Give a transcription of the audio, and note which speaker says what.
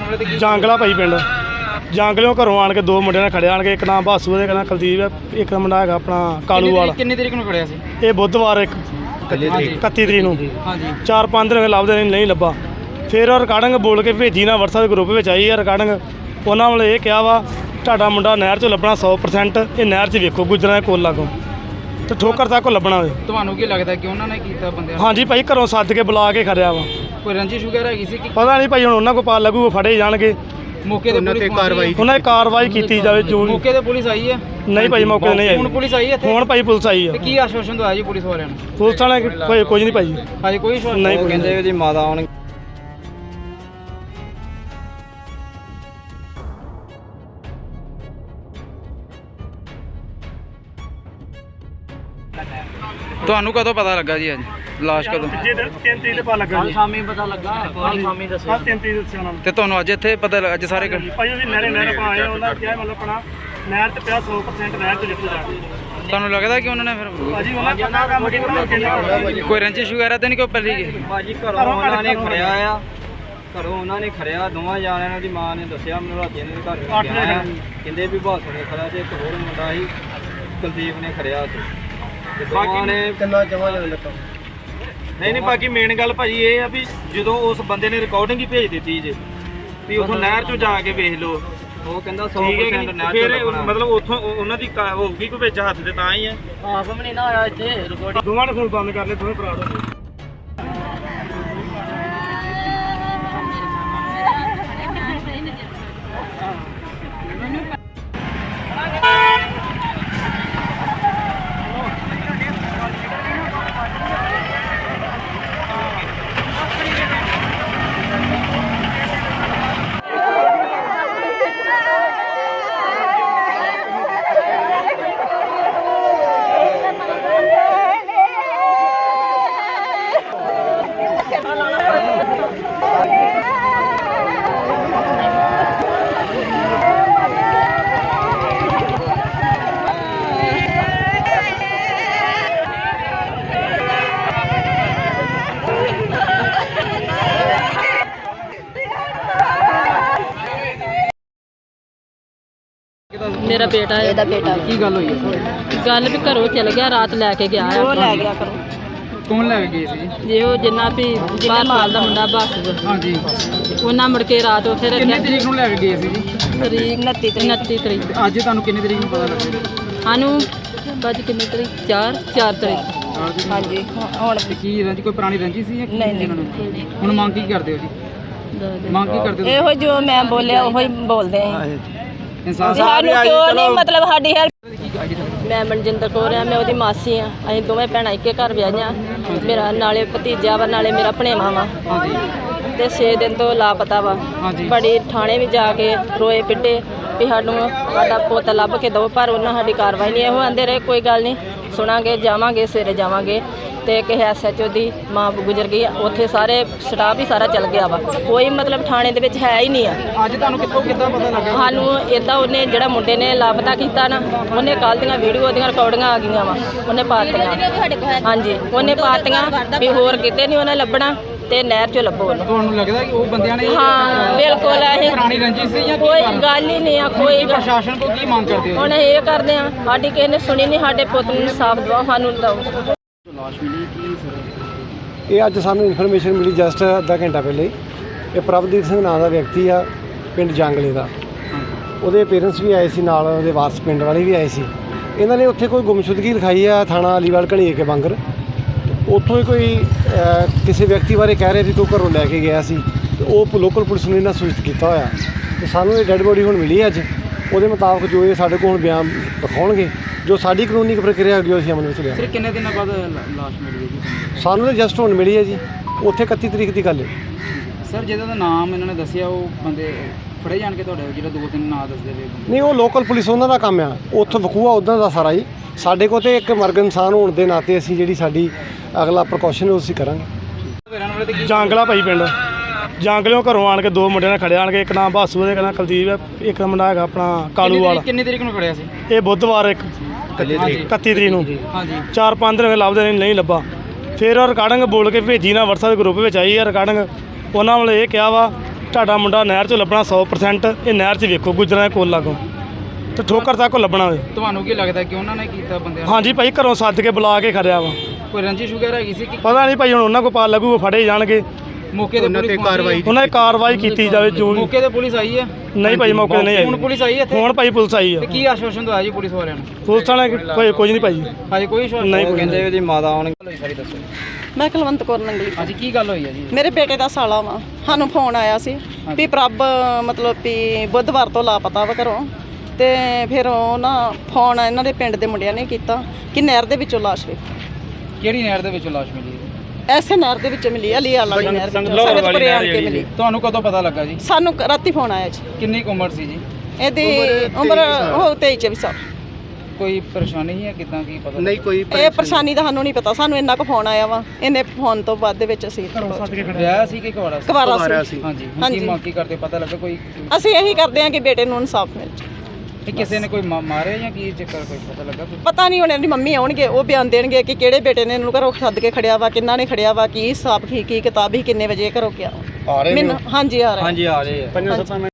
Speaker 1: ਜਾਂਗਲਾ ਭਾਈ ਪਿੰਡ ਜਾਂਗਲਿਓਂ घरों आण के दो मुंडे ने खड़े आण के एक नाम भासू है कहना कुलदीप है एक मुंडा है अपना कालू वाला।
Speaker 2: किन्नी तरीक नूं खड़िया सी?
Speaker 1: ये बुधवार 31 तरीक नूं 4-5 दिन लभदे नहीं लभा। फिर रिकार्डिंग बोल के भेजी ना WhatsApp के ग्रुप में आई है रिकार्डिंग। उन्होंने वाले ये कहा वा तुहाडा मुंडा नहर चों लभना 100%। ये नहर च वेखो गुजरना कोल लागों तो ठोकर तक लभना होवे।
Speaker 2: तुहानूं की लगदा कि उन्होंने कीता बंदे?
Speaker 1: हाँ जी भाई घरों सद के बुला के खड़िया वा।
Speaker 2: कोई रंजिश वगैरह हैगी सी?
Speaker 1: पता नहीं भाई हुण उन्हां कोल पता लगूगा फड़े जाणगे।
Speaker 2: मौके ते पुलिस
Speaker 1: उन्होंने कार्रवाई की जाए जो
Speaker 2: मौके ते पुलिस आई है?
Speaker 1: नहीं भाई मौके नहीं आई।
Speaker 2: हुण पुलिस आई है?
Speaker 1: हुण भाई पुलिस आई है।
Speaker 2: की आश्वासन दवाया जी पुलिस वालियां ने?
Speaker 1: पुलिस वाले कोई कुछ नहीं भाई
Speaker 2: अजे कोई आश्वासन
Speaker 1: नहीं
Speaker 2: कहंदे जी माता आउण। ਤੁਹਾਨੂੰ ਕਦੋਂ ਪਤਾ ਲੱਗਾ ਜੀ ਅੱਜ ਲਾਸ਼ ਕਦੋਂ?
Speaker 1: 3 ਤਰੀਕ ਤੇ ਪਤਾ ਲੱਗਾ ਜੀ।
Speaker 2: ਸ਼ਾਮੀ ਪਤਾ ਲੱਗਾ? ਕੱਲ ਸ਼ਾਮੀ ਦੱਸਿਆ।
Speaker 1: 3 ਤਰੀਕ ਦੱਸਿਆ ਉਹਨਾਂ ਨੇ।
Speaker 2: ਤੇ ਤੁਹਾਨੂੰ ਅੱਜ ਇੱਥੇ ਪਤਾ ਲੱਗਾ? ਅੱਜ ਸਾਰੇ
Speaker 1: ਭਾਈ ਉਹਦੀ ਨਹਿਰ ਪਾ ਆਏ ਉਹਨਾਂ ਕਿਹਾ ਮਤਲਬ ਆਪਣਾ ਨਹਿਰ ਤੇ ਪਿਆ 100% ਨਹਿਰ ਤੇ ਲਿਖ ਜਾ ਕੇ।
Speaker 2: ਤੁਹਾਨੂੰ ਲੱਗਦਾ ਕਿ ਉਹਨਾਂ ਨੇ ਫਿਰ
Speaker 1: ਭਾਜੀ ਉਹਨਾਂ ਕਿੰਨਾ ਕੰਮ ਕੀਤਾ?
Speaker 2: ਕੋਈ ਰੰਜਿਸ਼ ਵਗੈਰਾ ਤੇ ਨਹੀਂ ਕੋਈ ਪਹਿਲੀ ਗਈ?
Speaker 3: ਭਾਜੀ ਘਰੋਂ ਉਹਨਾਂ ਨੇ ਖੜਿਆ ਆ। ਘਰੋਂ ਉਹਨਾਂ ਨੇ ਖੜਿਆ ਦੋਵਾਂ ਜਾਣਿਆਂ ਦੀ ਮਾਂ ਨੇ ਦੱਸਿਆ ਮੈਨੂੰ ਰਾਤੀ ਨੇ ਘਰ ਗਿਆ ਕਹਿੰਦੇ ਵੀ ਬਾਸੂ ਨੇ ਖੜਿਆ ਤੇ ਇੱਕ ਹੋਰ ਮੁੰਡਾ ਸੀ ਕੁਲਦੀਪ ਨੇ ਖੜਿਆ ਸੀ। ਦੋਵਾਂ ਨੇ ਕਿੰਨਾ ਜਮਾ ਜਾਣ ਲੱਗਾ। ਨਹੀਂ ਬਾਕੀ ਮੇਨ ਗੱਲ ਭਾਜੀ ਇਹ ਆ ਵੀ ਜਦੋਂ ਉਸ ਬੰਦੇ ਨੇ ਰਿਕਾਰਡਿੰਗ ਹੀ ਭੇਜ ਦਿੱਤੀ ਜੇ ਵੀ ਉਥੋਂ ਨਹਿਰ ਚੋਂ ਜਾ ਕੇ ਵੇਖ ਲਓ ਉਹ ਕਹਿੰਦਾ 100% ਨਹਿਰ ਚੋਂ ਲੱਭਣਾ। ਮਤਲਬ ਉਥੋਂ ਉਹਨਾਂ ਦੀ ਹੋਊਗੀ ਕੋਈ ਵਿੱਚ ਹੱਥ ਤੇ ਤਾਂ ਹੀ ਆ। ਆਪ ਵੀ ਨਹੀਂ ਨਾ ਆਇਆ ਇੱਥੇ ਰਿਕਾਰਡਿੰਗ।
Speaker 1: ਦੋਵਾਂ ਨੇ ਫੋਨ ਬੰਦ ਕਰ ਲਏ ਦੋਵੇਂ ਫਰਾਡ ਹੋ ਗਏ।
Speaker 4: मेरा बेटा है।
Speaker 3: ਇਹਦਾ ਬੇਟਾ
Speaker 2: ਕੀ ਗੱਲ ਹੋਈ ਹੈ?
Speaker 4: गल भी घरों चल गया रात लैके गया है।
Speaker 3: ਉਹ ਲੈ ਗਿਆ ਕਰੋ।
Speaker 2: ਕੌਣ ਲੈ ਕੇ ਗਏ ਸੀ ਜੀ?
Speaker 4: जे वो जिन्ना भी बाहर साल का मुंडा बस
Speaker 2: ਹਾਂਜੀ
Speaker 4: उन्हें मुड़ के रात उत्थे
Speaker 2: ਕਿੰਨੀ
Speaker 4: रखा
Speaker 2: ਤਰੀਕ ਨੂੰ ਲੈ ਕੇ ਗਏ ਸੀ ਜੀ?
Speaker 4: तरीक 29 तरीक
Speaker 2: ਤੇ ਅੱਜ ਤੁਹਾਨੂੰ ਕਿੰਨੀ ਤਰੀਕ ਨੂੰ ਪਤਾ ਲੱਗਿਆ?
Speaker 4: सानू बज किन्नी तरीक 4 तरीक
Speaker 3: ਹਾਂਜੀ ਹੁਣ
Speaker 2: ਤੇ ਕੀ ਰੰਜ ਕੋਈ ਪੁਰਾਣੀ ਰੰਜੀ ਸੀ ਜਾਂ ਕੀ
Speaker 3: ਨਹੀਂ,
Speaker 2: ਇਹਨਾਂ ਨੂੰ? ਹੁਣ ਮੰਗ ਕੀ ਕਰਦੇ ਹੋ ਜੀ? ਮੰਗ ਕੀ ਕਰਦੇ ਹੋ?
Speaker 3: ਇਹੋ ਜੋ ਮੈਂ ਬੋਲਿਆ ਉਹੀ ਬੋਲਦੇ ਆ।
Speaker 2: ਇਨਸਾਫ
Speaker 3: ਸਾਨੂੰ ਕਿਉਂ ਨਹੀਂ ਮਤਲਬ ਸਾਡੀ ਹੈਲਪ।
Speaker 4: मैं मनजिंदर कौर हाँ। मैं ਉਹਦੀ मासी हाँ। ਅਸੀਂ ਦੋਵੇਂ ਭੈਣਾਂ ਇੱਕੇ ਘਰ ਵਿਆਹੀਆਂ। ਮੇਰਾ ਨਾਲੇ ਭਤੀਜਾ ਵਾ ਨਾਲੇ ਮੇਰਾ ਭਣੇਵਾ ਵਾ
Speaker 2: ਹਾਂਜੀ
Speaker 4: ਤੇ 6 ਦਿਨ ਤੋਂ ਲਾਪਤਾ ਵਾ।
Speaker 2: ਹਾਂਜੀ
Speaker 4: ਬੜੀ ਥਾਣੇ ਵੀ ਜਾ ਕੇ ਰੋਏ ਪਿੱਟੇ ਵੀ ਸਾਡਾ ਪੁੱਤ ਲੱਭ ਕੇ ਦਿਓ ਪਰ ਉਹਨਾਂ ਸਾਡੀ ਕਾਰਵਾਈ ਨਹੀਂ। ਇਹੋ ਆਂਦੇ ਰਹੇ ਕੋਈ ਗੱਲ ਨਹੀਂ ਸੁਣਾਂਗੇ ਜਾਵਾਂਗੇ ਸਵੇਰੇ ਜਾਵਾਂਗੇ। ਤੇ ਕਿਸੇ SHO ਦੀ ਮਾਂ ਗੁਜ਼ਰ ਗਈ ਆ ਉੱਥੇ ਸਾਰੇ ਸਟਾਫ ਹੀ ਸਾਰਾ ਚੱਲ ਗਿਆ ਵਾ। ਕੋਈ ਮਤਲਬ ਥਾਣੇ ਦੇ ਵਿੱਚ ਹੈ ਹੀ ਨਹੀਂ ਆ।
Speaker 2: ਅੱਜ ਤੁਹਾਨੂੰ ਕਿੱਦਾਂ ਪਤਾ ਲੱਗਾ?
Speaker 4: ਸਾਨੂੰ ਇੱਦਾਂ ਉਹਨੇ ਜਿਹੜਾ ਮੁੰਡੇ ਨੇ ਲਾਪਤਾ ਕੀਤਾ ਨਾ ਉਹਨੇ ਕੱਲ੍ਹ ਦੀਆਂ ਵੀਡੀਓ ਦੀਆਂ ਰਿਕਾਰਡਿੰਗਾਂ ਆ ਗਈਆਂ ਵਾ ਉਹਨੇ ਪਾਤੀਆਂ। ਹਾਂਜੀ ਉਹਨੇ ਪਾਤੀਆਂ ਵੀ ਹੋਰ ਕਿਤੇ ਨਹੀਂ ਉਹਨੇ ਲੱਭਣਾ ਤੇ ਨਹਿਰ 'ਚੋਂ ਲੱਭੋ ਉਹਨੂੰ।
Speaker 2: ਤੁਹਾਨੂੰ ਲੱਗਦਾ ਕਿ ਉਹ ਬੰਦਿਆਂ ਨੇ
Speaker 4: ਹਾਂ ਬਿਲਕੁਲ ਇਹ
Speaker 2: ਪੁਰਾਣੀ ਰੰਜਿਸ਼ ਸੀ ਜਾਂ
Speaker 4: ਕੋਈ ਗੱਲ ਹੀ ਨਹੀਂ ਆ। ਕੋਈ
Speaker 2: ਪ੍ਰਸ਼ਾਸਨ ਕੋਲ ਕੀ ਮੰਗ ਕਰਦੇ ਹੋ?
Speaker 4: ਹੁਣ ਇਹ ਕਰਦੇ ਆ ਸਾਡੀ ਕਿਸੇ ਨੇ ਸੁਣੀ ਨਹੀਂ। ਸਾਡੇ ਪੁੱਤ ਨੂੰ ਇਨਸਾਫ ਦਿਵਾਓ ਸਾਨੂੰ ਦਿਓ।
Speaker 2: ਲਾਸ਼ ਮਿਲੀ ਕੀ ਸਰ?
Speaker 5: ਇਹ ਅੱਜ ਸਾਨੂੰ ਇਨਫੋਰਮੇਸ਼ਨ ਮਿਲੀ ਜਸਟ ਅੱਧਾ ਘੰਟਾ ਪਹਿਲੇ ਹੀ। ਇਹ ਪ੍ਰਭਦੀਪ ਸਿੰਘ ਨਾਂ ਦਾ ਵਿਅਕਤੀ ਆ ਪਿੰਡ ਜਾਂਗਲੇ ਦਾ। ਉਹਦੇ ਪੇਰੈਂਟਸ ਵੀ ਆਏ ਸੀ ਨਾਲ ਉਹਦੇ ਵਾਰਸ ਪਿੰਡ ਵਾਲੇ ਵੀ ਆਏ ਸੀ। ਇਹਨਾਂ ਨੇ ਉੱਥੇ ਕੋਈ ਗੁੰਮਸ਼ੁਦਗੀ ਲਿਖਾਈ ਆ ਥਾਣਾ ਅਲੀਵਾਲ ਘਣੀਏ ਕੇ ਬੰਗਰ। ਉੱਥੋਂ ਹੀ ਕੋਈ ਕਿਸੇ ਵਿਅਕਤੀ ਬਾਰੇ ਕਹਿ ਰਹੇ ਸੀ ਕਿ ਉਹ ਘਰੋਂ ਲੈ ਕੇ ਗਿਆ ਸੀ ਤੇ ਉਹ ਲੋਕਲ ਪੁਲਿਸ ਨੂੰ ਇਹਨਾਂ ਸੂਚਿਤ ਕੀਤਾ ਹੋਇਆ ਤੇ ਸਾਨੂੰ ਇਹ ਡੈੱਡ ਬੋਡੀ ਹੁਣ ਮਿਲੀ ਅੱਜ। ਉਹਦੇ ਮੁਤਾਬਕ ਜੋ ਇਹ ਸਾਡੇ ਕੋਲ ਬਿਆਨ ਦਿਖਾਉਣਗੇ ਜੋ ਸਾਡੀ ਕਾਨੂੰਨੀ ਪ੍ਰਕਿਰਿਆ ਹੈਗੀ ਉਹ ਅਸੀਂ ਅਮਲ ਵਿੱਚ ਲਿਆ।
Speaker 2: ਫਿਰ ਕਿੰਨੇ ਦਿਨਾਂ ਬਾਅਦ ਲਾਸ਼ ਮਿਲੀ ਹੈ ਜੀ?
Speaker 5: ਸਾਨੂੰ ਤਾਂ ਜਸਟ ਹੁਣ ਮਿਲੀ ਹੈ ਜੀ। ਉੱਥੇ 31 ਤਰੀਕ ਦੀ ਗੱਲ ਹੈ।
Speaker 2: ਸਰ ਜਿਹਦਾ ਦਾ ਨਾਮ ਇਹਨਾਂ ਨੇ ਦੱਸਿਆ ਉਹ ਬੰਦੇ ਫੜੇ ਜਾਣ ਕੇ ਤੁਹਾਡੇ ਜਿਹੜਾ 2-3 ਨਾਂ ਦੱਸਦੇ ਪਏ?
Speaker 5: ਨਹੀਂ ਉਹ ਲੋਕਲ ਪੁਲਿਸ ਉਹਨਾਂ ਦਾ ਕੰਮ ਆ। ਉੱਥੋਂ ਵਖੂਆ ਉੱਦਾਂ ਦਾ ਸਾਰਾ ਹੀ ਸਾਡੇ ਕੋਲ ਤੇ ਇੱਕ ਮਰਗ ਇਨਸਾਨ ਹੋਣ ਦੇ ਨਾਤੇ ਅਸੀਂ ਜਿਹੜੀ ਸਾਡੀ ਅਗਲਾ ਪ੍ਰੀਕਾਸ਼ਨ ਉਹ ਅਸੀਂ ਕਰਾਂਗੇ।
Speaker 1: ਜਾਂਗਲਾ ਭਾਈ ਪਿੰਡ ਜਾਂਗਲਿਓਂ घरों आण के दो मुंडे ने खड़े आण के एक नाम भासू है कहना कुलदीप है एक मुंडा है अपना कालू वाला।
Speaker 2: ਕਿੰਨੀ ਤਰੀਕ ਨੂੰ ਖੜਿਆ ਸੀ?
Speaker 1: ये बुधवार 31 तरीक नूं
Speaker 2: ਹਾਂਜੀ
Speaker 1: 4-5 दिन लभदे नहीं लभा। फिर रिकार्डिंग बोल के भेजी ना WhatsApp के ग्रुप में आई है रिकार्डिंग। उन्होंने वाले ये कहा वा ਤੁਹਾਡਾ ਮੁੰਡਾ ਨਹਿਰ 'ਚੋਂ ਲੱਭਣਾ 100%। ਇਹ ਨਹਿਰ 'ਚ ਵੇਖੋ ਗੁਜਰਾਂ ਦੇ ਕੋਲ ਲਾਗੋਂ ਤੇ ਠੋਕਰ ਤੱਕ ਲੱਭਣਾ ਹੋਵੇ।
Speaker 2: ਤੁਹਾਨੂੰ ਕੀ ਲੱਗਦਾ ਕਿ ਉਹਨਾਂ ਨੇ ਕੀਤਾ ਬੰਦਿਆਂ ਨੂੰ?
Speaker 1: ਹਾਂਜੀ ਭਾਈ, ਘਰੋਂ ਸੱਦ ਕੇ ਬੁਲਾ ਕੇ ਖੜਿਆ ਵਾ।
Speaker 2: ਕੋਈ ਰੰਜਿਸ਼ ਵਗੈਰਾ ਹੈਗੀ ਸੀ ਕਿ
Speaker 1: ਪਤਾ ਨਹੀਂ ਭਾਈ, ਹੁਣ ਉਹਨਾਂ ਕੋਲ ਪਾ ਲੱਗੂ, ਫੜੇ ਜਾਣਗੇ।
Speaker 2: ਮੌਕੇ ਤੇ ਪੁਲਿਸ ਕਾਰਵਾਈ
Speaker 1: ਉਹਨਾਂ ਦੀ ਕਾਰਵਾਈ ਕੀਤੀ ਜਾਵੇ ਜੋ ਵੀ।
Speaker 2: ਮੌਕੇ ਤੇ ਪੁਲਿਸ ਆਈ ਹੈ?
Speaker 1: ਨਹੀਂ ਭਾਈ, ਮੌਕੇ ਤੇ ਨਹੀਂ
Speaker 2: ਹੁਣ
Speaker 1: ਆਈ।
Speaker 2: ਪੁਲਿਸ ਆਈ ਹੈ ਇੱਥੇ?
Speaker 1: ਹੁਣ ਭਾਈ ਪੁਲਿਸ ਆਈ ਆ।
Speaker 2: ਤੇ ਕੀ ਆਸ਼ਵਾਸਨ ਦਵਾਇਆ ਜੀ ਪੁਲਿਸ ਵਾਲਿਆਂ ਨੂੰ?
Speaker 1: ਪੁਲਿਸ ਵਾਲੇ ਕੋਈ ਕੁਝ ਨਹੀਂ ਭਾਈ।
Speaker 2: ਹਾਂਜੀ ਕੋਈ ਆਸ਼ਵਾਸਨ
Speaker 1: ਨਹੀਂ,
Speaker 3: ਉਹ ਕਹਿੰਦੇ ਉਹਦੀ ਮਾਤਾ ਆਉਣਗੇ।
Speaker 2: ਸਾਰੀ ਦੱਸੋ।
Speaker 6: ਮੈਂ ਕੁਲਵੰਤ ਕੌਰ ਨੰਗਲੀ।
Speaker 2: ਹਾਂਜੀ ਕੀ ਗੱਲ ਹੋਈ ਹੈ ਜੀ?
Speaker 6: ਮੇਰੇ ਬੇਟੇ ਦਾ ਸਾਲਾ ਵਾ, ਸਾਨੂੰ ਫੋਨ ਆਇਆ ਸੀ ਵੀ ਪ੍ਰਭ ਮਤਲਬ ਵੀ ਬੁੱਧਵਾਰ ਤੋਂ ਲਾਪਤਾ ਵਾ ਘਰੋਂ। ਤੇ ਫਿਰ ਉਹ ਨਾ ਫੋਨ ਇਹਨਾਂ ਦੇ ਪਿੰਡ ਦੇ ਮੁੰਡਿਆਂ ਨੇ ਕੀਤਾ ਕਿ ਨਹਿਰ ਦੇ ਵਿੱਚੋਂ ਲਾਸ਼ ਵੇਖੀ।
Speaker 2: ਕਿਹੜੀ ਨਹਿਰ ਦੇ ਵਿੱਚੋਂ ਲਾਸ਼ ਮਿਲੀ ਹੈ?
Speaker 6: ਐਸੇ ਨਹਿਰ ਦੇ ਵਿੱਚ ਮਿਲੀ, ਅਲੀ ਵਾਲੀ ਨਹਿਰ ਸੰਗਤਪੁਰੇ ਆਣ ਕੇ ਮਿਲੀ।
Speaker 2: ਤੁਹਾਨੂੰ ਕਦੋਂ ਪਤਾ ਲੱਗਾ ਜੀ?
Speaker 6: ਸਾਨੂੰ ਰਾਤੀ ਫੋਨ ਆਇਆ ਜੀ।
Speaker 2: ਕਿੰਨੀ ਕੁ ਉਮਰ ਸੀ ਜੀ?
Speaker 6: ਇਹਦੀ ਉਮਰ ਉਹ 23-24 ਸਾਲ।
Speaker 2: ਕੋਈ ਪਰੇਸ਼ਾਨੀ ਹੈ ਕਿਦਾਂ ਕੀ ਪਤਾ?
Speaker 5: ਨਹੀਂ ਕੋਈ
Speaker 6: ਇਹ ਪਰੇਸ਼ਾਨੀ ਦਾ ਸਾਨੂੰ ਨਹੀਂ ਪਤਾ, ਸਾਨੂੰ ਇੰਨਾ ਕੁ ਫੋਨ ਆਇਆ ਵਾ। ਇਹਨੇ ਫੋਨ ਤੋਂ ਬਾਅਦ ਦੇ ਵਿੱਚ ਅਸੀਂ
Speaker 2: ਵਿਆਹ ਸੀ ਕਿ ਕੁਆਰਾ ਸੀ?
Speaker 6: ਕੁਵਾਰਾ ਸੀ।
Speaker 2: ਹਾਂਜੀ ਹੁਣ
Speaker 6: ਹਾਂਜੀ।
Speaker 2: ਕੀ ਮੰਗ ਕੀ ਕਰਦੇ? ਪਤਾ ਲੱਗਾ ਕੋਈ
Speaker 6: ਅਸੀਂ ਇਹੀ ਕਰਦੇ ਹਾਂ ਕਿ ਬੇਟੇ ਨੂੰ ਇਨਸਾਫ ਮਿਲ ਜਾਵੇ।
Speaker 2: ਕਿ ਕਿਸੇ ਨੇ ਕੋਈ ਮਾਰਿਆ ਜਾਂ ਕੀ ਚੱਕਰ ਕੋਈ ਪਤਾ ਲੱਗਾ ਕੋਈ?
Speaker 6: ਪਤਾ ਨਹੀਂ, ਹੁਣ ਇਹਦੀ ਮੰਮੀ ਆਉਣਗੇ, ਉਹ ਬਿਆਨ ਦੇਣਗੇ ਕਿ ਕਿਹੜੇ ਬੇਟੇ ਨੇ ਇਹਨੂੰ ਘਰੋਂ ਸੱਦ ਕੇ ਖੜਿਆ ਵਾ, ਕਿੰਨਾ ਨੇ ਖੜਿਆ ਵਾ, ਕੀ ਹਿਸਾਬ ਕੀ ਕਿਤਾਬ ਹੀ, ਕਿੰਨੇ ਵਜੇ ਘਰੋਂ ਗਿਆ। ਮੈਨੂੰ ਹਾਂਜੀ ਆ ਰਿਹਾ।
Speaker 3: ਹਾਂਜੀ ਆ ਰਹੇ ਆ।